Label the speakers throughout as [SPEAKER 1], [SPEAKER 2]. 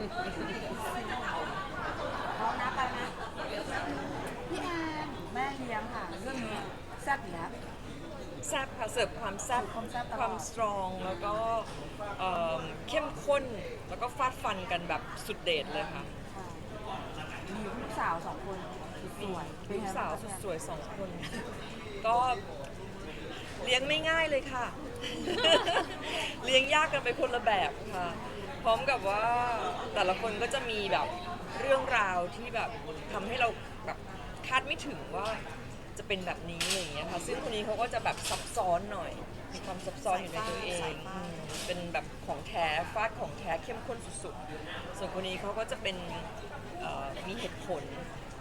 [SPEAKER 1] เขานะไปนะพี่แอนแม่เลี้ยงค่ะเรื่องนี้แซ่บอยู่แล้ว
[SPEAKER 2] แซ่บค่ะเสิร์ฟความแซ่บ
[SPEAKER 1] ความแซ่บตลอด
[SPEAKER 2] ความสตรองแล้วก็เข้มข้นแล้วก็ฟาดฟันกันแบบสุดเด็ดเลยค่ะ
[SPEAKER 1] ค่ะมีลูกสาว2 คนสวยๆเป็น
[SPEAKER 2] ลู
[SPEAKER 1] ไง
[SPEAKER 2] กสาว
[SPEAKER 1] บ้งคะ
[SPEAKER 2] สวย2 คนก็เลี้ยงไม่ง่ายเลยค่ะ เลี้ยงยากกันไปคนละแบบค่ะพร้อมกับว่าแต่ละคนก็จะมีแบบเรื่องราวที่แบบทำให้เราแบบคาดไม่ถึงว่าจะเป็นแบบนี้อะไรอย่างเงี้ยค่ะซึ่งคนนี้เขาก็จะแบบซับซ้อนหน่อยมีความซับซ้อนอยู่ในตัวเองเป็นแบบของแท้ฟาดของแท้เข้มข้นสุดๆส่วนคนนี้เขาก็จะเป็นมีเหตุผล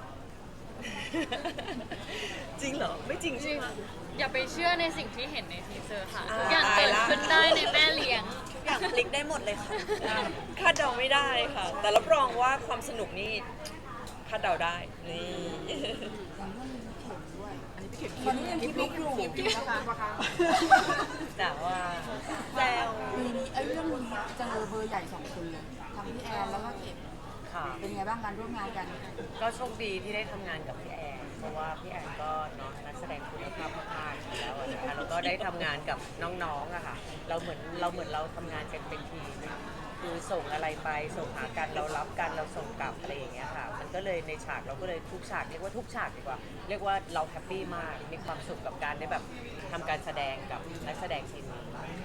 [SPEAKER 2] จริงเหรอไม่จริงใช่ไหม
[SPEAKER 3] อย่าไปเชื่อในสิ่งที่เห็นในทีเซอร์ค่ะ
[SPEAKER 2] อ่า
[SPEAKER 3] ทุกอย่างเกิดขึ้นได้ในแม่เลี้ยง
[SPEAKER 4] ทุกอย่างพลิกได้หมดเลยค่ะ
[SPEAKER 2] คาดเดาไม่ได้ค่ะ แต่รับรองว่าความสนุกนี่คาดเดาได้นี่
[SPEAKER 1] อย่างเรื่องนี้เข็มด้วยอันนี้พี่เข็มตอนนี้ยังคิดลุกอยู่นะคะ
[SPEAKER 2] แต่ว่า
[SPEAKER 4] แซว
[SPEAKER 1] ปีนี้เรื่องนี้เจอเบอร์ใหญ่2 คนเลยทั้งพี่แอนแล้วก็เข็ม
[SPEAKER 5] ค่ะ
[SPEAKER 1] เป็นไงบ้างการร่วมงานกัน
[SPEAKER 5] ก็โชคดีที่ได้ทำงานกับพี่แอนเพราะว่าพี่แอนก็เนาะนักแสดงคุณภาพมากๆอยู่แล้วอะนะคะแล้วก็ได้ทำงานกับน้องๆอะค่ะเราเหมือนเราทำงานกันเป็นทีมคือส่งอะไรไปส่งหากันเรารับกันเราส่งกลับอะไรอย่างเงี้ยค่ะมันก็เลยในฉากเราก็เลยทุกฉากเรียกว่าทุกฉากดีกว่าเรียกว่าเราแฮปปี้มากมีความสุขกับการได้แบบทำการแสดงกับนักแสดงทีมนี้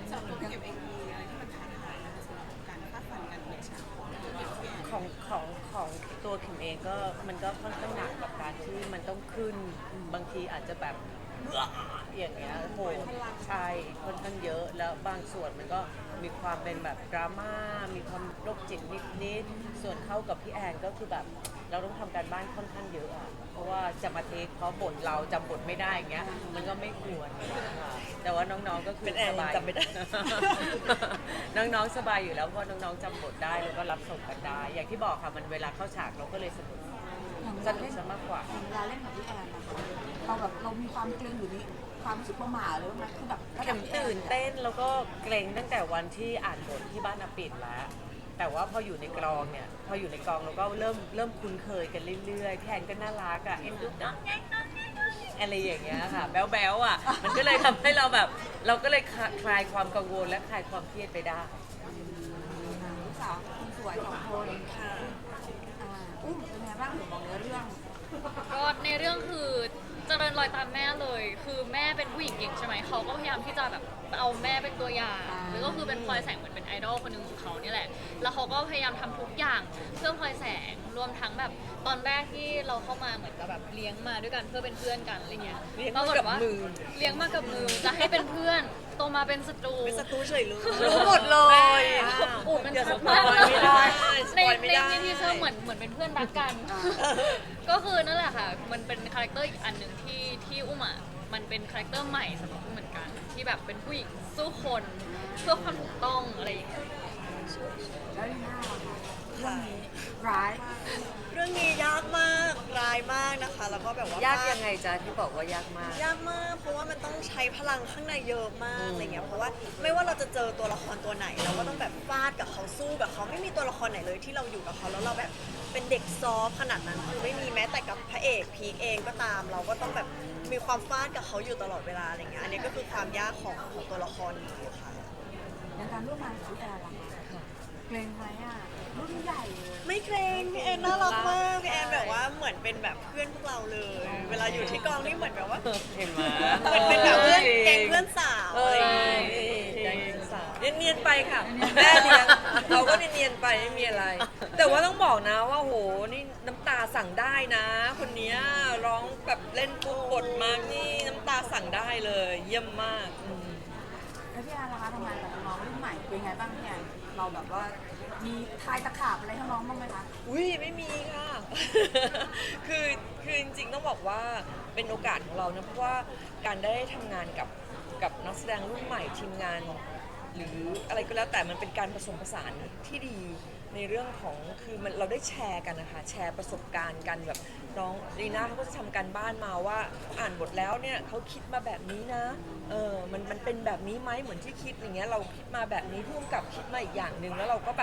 [SPEAKER 5] ของตัวคิมเองก็มันก็ค่อนข้างหนักกับการที่มันต้องขึ้นบางทีอาจจะแบบอย่างเงี้ยโอ้โหใช่ค่อนข้างเยอะแล้วบางส่วนมันก็มีความเป็นแบบดราม่ามีความโรคจิตนิดๆส่วนเข้ากับพี่แอนก็คือแบบเราต้องทำการบ้านค่อนข้างเยอะอะเพราะว่าจะมาเทคเพราะบทเราจำบทไม่ได้อย่างเงี้ยมันก็ไม่ควรค่ะแต่ว่าน้องๆก็คือ
[SPEAKER 2] เป็นแอน
[SPEAKER 5] สบาย
[SPEAKER 2] จำไม่ได้
[SPEAKER 5] น้องๆสบายอยู่แล้วเพราะน้องๆจำบทได้แล้วก็รับส่งกันได้ อย่างที่บอกค่ะมันเวลาเข้าฉากเราก็เลยสนุก
[SPEAKER 1] อย่างเว
[SPEAKER 5] ส
[SPEAKER 1] ลา
[SPEAKER 5] นุก
[SPEAKER 1] เล่น
[SPEAKER 5] ซะมากกว่า
[SPEAKER 1] อย่างเวลาเล่นกับพี่แอนนะคะเรามีความเกรงหรือมีความรู้สึกประหม่าหรือว่าคือแบบระดั
[SPEAKER 5] เข็
[SPEAKER 1] บ
[SPEAKER 5] ม
[SPEAKER 1] พี่แอ
[SPEAKER 5] ตื่นเต้นแล้วก็เกรงตั้งแต่วันที่อ่านบทที่บ้านอาปิดแล้ว แต่ว่าพออยู่ในกองเนี่ยพออยู่ในกองเราก็เริ่มคุ้นเคยกันเรื่อยๆพี่แอนก็น่ารักอ่ะเอ็นดูน้องแง่งน้องแง่งน้องแง่งอะไรอย่างเงี้ยค่ะแบ๊วๆอ่ะมันก็เลยทำให้เราแบบเราก็เลยคลายความกังวลและคลายความเครียดไปได้
[SPEAKER 1] ลูกสาวคนสวย2 คนค่ะอุ้มเป็นไงบ้างถึงบอกเรื่อง
[SPEAKER 3] ก็ในเรื่องคือเจริญรอยตามแม่เลย คือแม่เป็นผู้หญิงเก่งใช่ไหมเขาก็พยายามที่จะแบบเอาแม่เป็นตัวอย่างแล้วก็คือเป็นพลอยแสงเหมือนเป็นไอดอลคนหนึ่งของเขานี่แหละ แล้วเขาก็พยายามทำทุกอย่างเพื่อพลอยแสงรวมทั้งแบบตอนแรกที่เราเข้ามาเหมือนกับแบบเลี้ยงมาด้วยกันเพื่อเป็นเพื่อนกันอะไรเงี้ย
[SPEAKER 2] เลี้ยง
[SPEAKER 3] ปร
[SPEAKER 2] มา
[SPEAKER 3] ฏ
[SPEAKER 2] กับ
[SPEAKER 3] ว่า
[SPEAKER 2] มือ
[SPEAKER 3] เลี้ยงมากับมือจะให้เป็นเพื่อนโตมาเป็นศัตรู
[SPEAKER 4] เป็นศัตรูเฉยเลย
[SPEAKER 2] รู้หมดเลย
[SPEAKER 3] อูดมัน
[SPEAKER 2] อย่าส
[SPEAKER 3] ชัด
[SPEAKER 2] ปอ
[SPEAKER 3] มาก
[SPEAKER 2] ยไม่ได้ส
[SPEAKER 3] ใน
[SPEAKER 2] ปอยไม่ได้
[SPEAKER 3] ในทีเซอร์เหมือนเป็นเพื่อนรักกัน ก็คือนั่นแหละค่ะ มันเป็นคาแรคเตอร์อีกอันหนึ่งที่อุ้มอ่ะ มันเป็นคาแรคเตอร์ใหม่สำหรับอุ้มเหมือนกัน ที่แบบเป็นผู้หญิงสู้คนเพื่อความถูกต้องอะไรอย่างเงี้ย
[SPEAKER 1] ๆแล้วลีน่าล่ะคะเรื่องนี้ร้าย
[SPEAKER 4] เรื่องนี้ยากมากร้ายมากนะคะ แล้วก็แบบว่าย
[SPEAKER 5] ากยังไงจ๊ะที่บอกว่ายากมาก
[SPEAKER 4] ยากมากเพราะว่ามันต้องใช้พลังข้างในเยอะมากอะไรเงี้ยเพราะว่าไม่ว่าเราจะเจอตัวละครตัวไหนเราก็ต้องแบบฟาดกับเขาสู้กับเขาไม่มีตัวละครไหนเลยที่เราอยู่กับเขาแล้วเราแบบเป็นเด็กซอฟต์ขนาดนั้นคือไม่มีแม้แต่กับพระเอกพีคเองก็ตาม เราก็ต้องแบบมีความฟาดกับเขาอยู่ตลอดเวลาอะไรเงี้ยอันนี้ก็คือความยากของตัวละครนี้ค่ะ
[SPEAKER 1] ในการร่วมงานกับพี่แอนล่ะคะเกรงไหมอ่ะรุ่นใหญ่เลย
[SPEAKER 4] ไม่เกรงพี่แอนน่ารักมากพี่แอนแบบว่าเหมือนเป็นแบบเพื่อนพวกเราเลย เวลาอยู่ที่กองนี่เหมือนแบบว่า
[SPEAKER 5] เห็นไหม
[SPEAKER 4] เหมือนเป็นแบบเพื่อนแก๊งเพื่อนสาว
[SPEAKER 2] เอ
[SPEAKER 4] อะไร
[SPEAKER 2] อ
[SPEAKER 4] อย่างเงี้ย
[SPEAKER 2] แกงสาวเนียนๆไปค่ะแม่เลี้ยงเราก็เนียนๆไปไม่มีอะไร แต่ว่าต้องบอกนะว่าโหนี่น้ำตาสั่งได้นะ คนเนี้ยร้องแบบเล่นปุ๊บบทมานี่น้ำตาสั่งได้เลยเยี่ยมมาก
[SPEAKER 1] แล้วพี่แอนล่ะคะทำงานกับน้องรุ่นใหม่เป็นไงบ้างพี่แอนเราแบบว่ามีทายตะขาบอะไรให้น้องบ้างไหมคะ
[SPEAKER 2] อุ้ยไม่มีค่ะ คือจริงๆต้องบอกว่าเป็นโอกาสของเรานะเพราะว่าการได้ทำงานกับนักแสดงรุ่นใหม่ทีมงาน หรืออะไรก็แล้วแต่มันเป็นการผสมผสานที่ดีในเรื่องของคือมันเราได้แชร์กันนะคะแชร์ประสบการณ์กันแบบน้องลีน่าเขาก็จะทำการบ้านมาว่าอ่านบทแล้วเนี่ยเขาคิดมาแบบนี้นะมันเป็นแบบนี้ไหมเหมือนที่คิดอย่างเงี้ยเราคิดมาแบบนี้พุ่มกับคิดมาอีกอย่างหนึ่งแล้วเราก็แบบ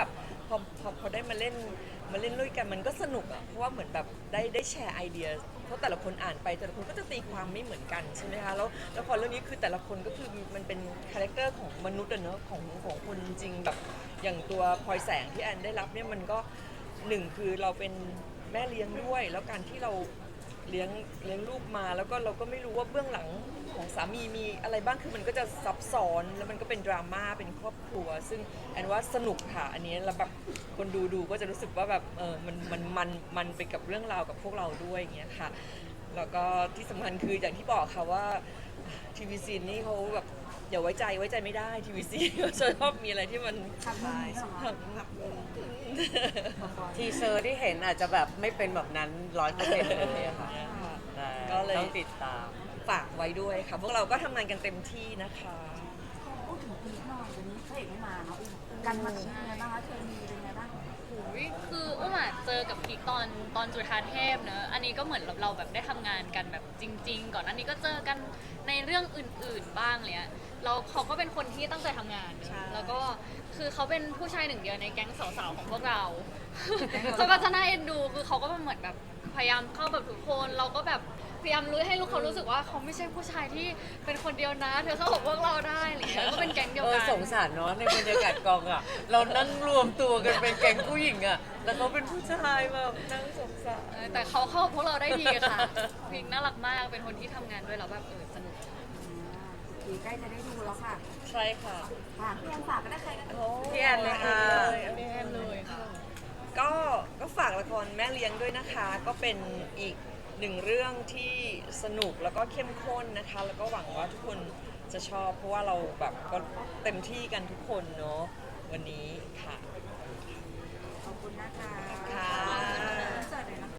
[SPEAKER 2] พอได้มาเล่นด้วยกันมันก็สนุกอ่ะเพราะว่าเหมือนแบบได้แชร์ไอเดียเพราะแต่ละคนอ่านไปแต่ละคนก็จะตีความไม่เหมือนกันใช่ไหมคะแล้วละครเรื่องนี้คือแต่ละคนก็คือมันเป็นคาแรคเตอร์ของมนุษย์อะเนอะของคนจริงแบบอย่างตัวพลอยแสงที่แอนได้รับเนี่ยมันก็หนึ่งคือเราเป็นแม่เลี้ยงด้วย แล้วการที่เราเลี้ยงลูกมาแล้วก็เราก็ไม่รู้ว่าเบื้องหลังของสามีมีอะไรบ้างคือมันก็จะซับซ้อนแล้วมันก็เป็นดราม่าเป็นครอบครัว ซึ่งแอนว่าสนุกค่ะอันนี้แล้วแบบคนดูก็จะรู้สึกว่าแบบมันไปกับเรื่องราวกับพวกเราด้วยอย่างเงี้ยค่ะแล้วก็ที่สำคัญคืออย่างที่บอกค่ะว่าทีวีซีนี่เขาแบบอย่าไว้ใจไม่ได้ทีวีซีเขาชอบมีอะไรที่มัน
[SPEAKER 1] ทำได้เหรอคะ
[SPEAKER 5] ทีเซอร์ที่เห็นอาจจะแบบไม่เป็นแบบนั้น100%เลยค่ะใช่
[SPEAKER 2] ก็เลย
[SPEAKER 5] ต้องติดตาม
[SPEAKER 2] ฝากไว้ด้วยค่ะพวกเราก็ทำงานกันเต็มที่นะคะ
[SPEAKER 1] พูดถึงพีคหน่อยวันนี้พระเอกไม่มาเนาะกันมาเป็นยังไงบ้างคะเคมีเป็นยังไงบ้าง
[SPEAKER 3] อุ๊ยคืออุ้มอะเจอกับพีคตอนจุฑาเทพเนอะอันนี้ก็เหมือนเราแบบได้ทำงานกันแบบจริง ๆ ก่อนอันนี้ก็เจอกันในเรื่องอื่นๆบ้างเลยอะเขาก็เป็นคนที่ตั้งใจทำงานเนอะ
[SPEAKER 4] ใช่
[SPEAKER 3] แล้วก็คือเขาเป็นผู้ชายหนึ่งเดียวในแก๊งสาวๆของพวกเรา เขาก็จะน่าเอ็นดูคือเขาก็เหมือนแบบพยายามเข้าแบบทุกคนเราก็แบบพยายามรู้ให้ลูกเขารู้สึกว่าเขาไม่ใช่ผู้ชายที่เป็นคนเดียวนะเธอเข้ากับพวกเราได้อะไรอย่างเงี้ยก็เป็นแก๊งเดียวกัน
[SPEAKER 5] สงสารเนาะในบรรยากาศกองอ่ะ เรานั่งรวมตัวกันเป็นแก๊งผู้หญิงอ่ะ แล้วเขาเป็นผู้ชายแบบนั่งสงสาร
[SPEAKER 3] แต่เขาเข้ากับพวกเราได้ดีค่ะพิงน่ารักมากเป็นคนที่ทำงานด้วยแล้วแบบสนุก
[SPEAKER 1] ผีใกล้จะได้ดูแล้วค่ะ
[SPEAKER 2] ใช่ค่ะ
[SPEAKER 1] ฝากพี่แอนฝากก็ได้ใครก็ได้
[SPEAKER 5] พี่แอนเลยค่ะ
[SPEAKER 2] พี่แอนเลยค่ะก็ฝากละครแม่เลี้ยงด้วยนะคะ ก็เป็นอีกหนึ่งเรื่องที่สนุกแล้วก็เข้มข้นนะคะ แล้วก็หวังว่าทุกคนจะชอบเพราะว่าเราแบบก็เต็มที่กันทุกคนเนาะวันนี้ค่ะ